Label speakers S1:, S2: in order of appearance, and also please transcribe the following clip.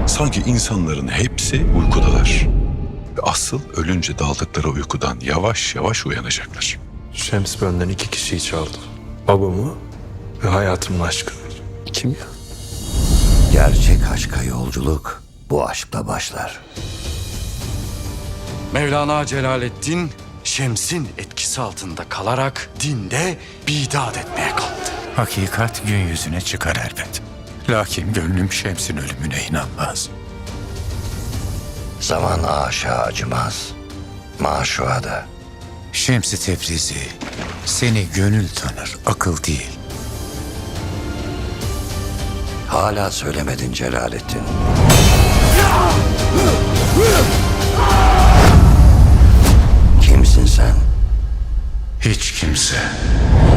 S1: Sanki insanların hepsi uykudalar. Ve asıl ölünce daldıkları uykudan yavaş yavaş uyanacaklar.
S2: Şems benden 2 kişiyi çaldı. Babamı ve hayatımın aşkını. Kim ya?
S3: Gerçek aşka yolculuk bu aşkla başlar.
S4: Mevlana Celaleddin Şems'in etkisi altında kalarak dinde bidat etmeye kalktı.
S5: Hakikat gün yüzüne çıkar elbet. Lakin gönlüm Şems'in ölümüne inanmaz.
S3: Zaman aşağı acımaz. Maşuğa da.
S5: Şems-i Tebrizi seni gönül tanır, akıl değil.
S3: Hala söylemedin Celaleddin. Kimsin sen?
S5: Hiç kimse.